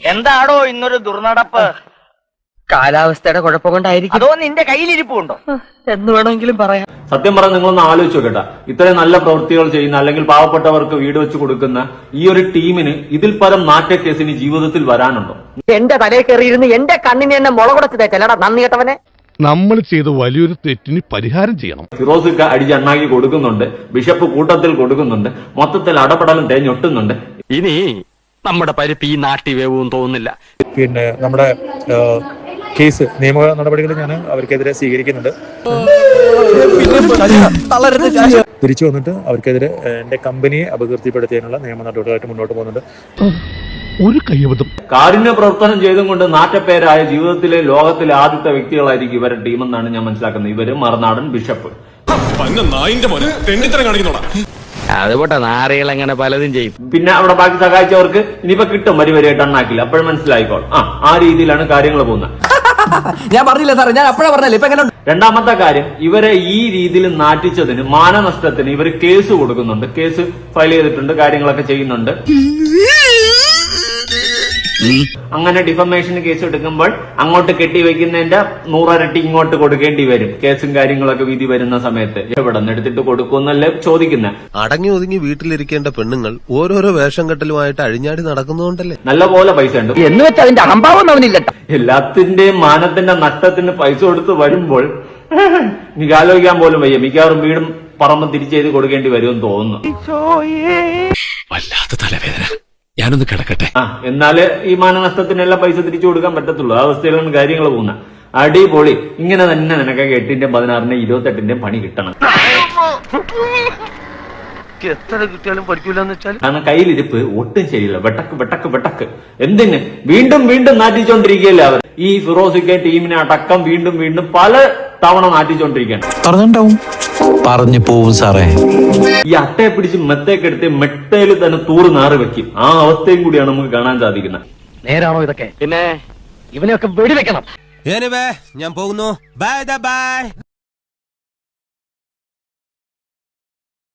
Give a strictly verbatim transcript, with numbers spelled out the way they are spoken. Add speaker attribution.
Speaker 1: എന്താടോ ഇന്നൊരു ദുർനടപ്പ്?
Speaker 2: കാലാവസ്ഥയുടെ കുഴപ്പം കൊണ്ടായിരിക്കും.
Speaker 1: അതോ നിന്റെ കയ്യിലിരിപ്പുണ്ടോ
Speaker 2: എന്ന് വേണമെങ്കിലും പറയാം.
Speaker 3: സത്യം പറഞ്ഞാൽ നിങ്ങളൊന്ന് ആലോചിച്ച് നോക്കട്ടെ, ഇത്രയും നല്ല പ്രവൃത്തികൾ ചെയ്യുന്ന അല്ലെങ്കിൽ പാവപ്പെട്ടവർക്ക് വീട് വെച്ച് കൊടുക്കുന്ന ഈ ഒരു ടീമിന് ഇതിൽ പരം നാട്യക്കേസിന് ജീവിതത്തിൽ വരാനുണ്ടോ?
Speaker 2: എന്റെ തലയിൽ കയറിയിരുന്ന് എന്റെ കണ്ണിന് എന്നെ മുളകുടച്ചതേ ചിലടാ നന്ദി കേട്ടവനെ.
Speaker 4: നമ്മൾ ചെയ്ത വലിയൊരു തെറ്റിന് പരിഹാരം ചെയ്യണം.
Speaker 3: ഫിറോസിക്ക അടിച്ചണ്ണാക്കി കൊടുക്കുന്നുണ്ട്, ബിഷപ്പ് കൂട്ടത്തിൽ കൊടുക്കുന്നുണ്ട്, മൊത്തത്തിൽ അടപടലും തേഞ്ഞൊട്ടുന്നുണ്ട്.
Speaker 5: ഇനി നമ്മുടെ പരിപ്പ് ഈ നാട്ടി വേവും തോന്നുന്നില്ല.
Speaker 6: പിന്നെ നമ്മുടെ കേസ് നിയമ നടപടികൾ ഞാൻ അവർക്കെതിരെ സ്വീകരിക്കുന്നുണ്ട്. തിരിച്ചു വന്നിട്ട് അവർക്കെതിരെ എന്റെ കമ്പനിയെ അപകീർത്തിപ്പെടുത്തിയതിനുള്ള നിയമ നടപടികളായിട്ട് മുന്നോട്ട് പോകുന്നുണ്ട്.
Speaker 4: ഒരു കയ്യബദ്ധം
Speaker 3: കാരുണ്യ പ്രവർത്തനം ചെയ്തും കൊണ്ട് നാറ്റപ്പേരായ ജീവിതത്തിലെ ലോകത്തിലെ ആദ്യത്തെ വ്യക്തികളായിരിക്കും ഇവരുടെ ടീമെന്നാണ് ഞാൻ മനസ്സിലാക്കുന്നത്. ഇവര് മറുനാടൻ ബിഷപ്പ്.
Speaker 5: അതുപോട്ടെ, നാറികൾ അങ്ങനെ പലതും ചെയ്യും.
Speaker 3: പിന്നെ അവിടെ ബാക്കി സഹായിച്ചവർക്ക് ഇനിയിപ്പോ കിട്ടും വരി വരിയായിട്ട് എണ്ണാക്കില്ല. അപ്പോഴും മനസ്സിലായിക്കോൾ. ആ ആ രീതിയിലാണ് കാര്യങ്ങൾ പോകുന്നത്.
Speaker 2: ഞാൻ പറഞ്ഞില്ല സാറേ, ഞാൻ അപ്പോഴാ പറഞ്ഞല്ലേ. ഇപ്പൊ എങ്ങനെ?
Speaker 3: രണ്ടാമത്തെ കാര്യം, ഇവരെ ഈ രീതിയിൽ നാറ്റിച്ചതിന് മാനനഷ്ടത്തിന് ഇവർ കേസ് കൊടുക്കുന്നുണ്ട്. കേസ് ഫയൽ ചെയ്തിട്ടുണ്ട്, കാര്യങ്ങളൊക്കെ ചെയ്യുന്നുണ്ട്. അങ്ങനെ ഡിഫമേഷൻ കേസ് എടുക്കുമ്പോൾ അങ്ങോട്ട് കെട്ടിവെക്കുന്നതിന്റെ നൂറരട്ടി ഇങ്ങോട്ട് കൊടുക്കേണ്ടി വരും. കേസും കാര്യങ്ങളൊക്കെ വിധി വരുന്ന സമയത്ത് എവിടെ നിന്ന് എടുത്തിട്ട് കൊടുക്കുമെന്നല്ലേ ചോദിക്കുന്നത്.
Speaker 7: അടങ്ങി ഒതുങ്ങി വീട്ടിലിരിക്കേണ്ട പെണ്ണുങ്ങൾ ഓരോരോ വേഷം കെട്ടലുമായിട്ട് അഴിഞ്ഞാടി നടക്കുന്നതുകൊണ്ടല്ലേ.
Speaker 3: നല്ല പോലെ പൈസ ഉണ്ട്
Speaker 2: എന്ന് വെച്ചാൽ അതിന്റെ അഹംഭാവം അവനില്ല.
Speaker 3: എല്ലാത്തിന്റെയും മാനത്തിന്റെ നഷ്ടത്തിന് പൈസ കൊടുത്ത് വരുമ്പോൾ എനിക്ക് ആലോചിക്കാൻ പോലും വയ്യ. മിക്കവാറും വീടും പറമ്പും തിരിച്ചെഴുതി കൊടുക്കേണ്ടി വരുമെന്ന് തോന്നുന്നു.
Speaker 5: വല്ലാത്ത തലവേദന, ഞാനൊന്ന് കിടക്കട്ടെ.
Speaker 3: ആ എന്നാല് ഈ മാനനഷ്ടത്തിനെല്ലാം പൈസ തിരിച്ചു കൊടുക്കാൻ പറ്റത്തുള്ളൂ. ആ അവസ്ഥയിലാണ് കാര്യങ്ങൾ പോകുന്നത്. അടിപൊളി. ഇങ്ങനെ തന്നെ നിനക്കൊക്കെ എട്ടിന്റെയും പതിനാറിന്റെയും ഇരുപത്തെട്ടിന്റെയും പണി കിട്ടണം.
Speaker 1: എത്ര കിട്ടിയാലും പഠിക്കൂലെന്ന് വെച്ചാൽ
Speaker 3: കാരണം കയ്യിലിരിപ്പ് ഒട്ടും ശരിയില്ല. വെട്ടക്ക് വെട്ടക്ക് വെട്ടക്ക് എന്തിന് വീണ്ടും വീണ്ടും നാറ്റിച്ചോണ്ടിരിക്കുകയല്ലേ അവർ. ഈ ഫിറോസിക്ക ടീമിനെ അടക്കം വീണ്ടും വീണ്ടും പല തവണ നാറ്റിച്ചോണ്ടിരിക്കുകയാണ്.
Speaker 8: പറഞ്ഞിട്ടുണ്ടാവും, പറഞ്ഞു പോവും സാറേ.
Speaker 3: ഈ അട്ടയെ പിടിച്ച് മെത്തേക്കെടുത്ത് മെട്ടയിൽ തന്നെ തൂറ് നാറ് വെക്കും. ആ അവസ്ഥയും കൂടിയാണ് നമുക്ക് കാണാൻ സാധിക്കുന്നത്.
Speaker 2: നേരാണോ ഇതൊക്കെ?
Speaker 5: പിന്നെ
Speaker 2: ഇവനെയൊക്കെ വെടിവെക്കണം.
Speaker 7: ഞാൻ പോകുന്നു. Bye by.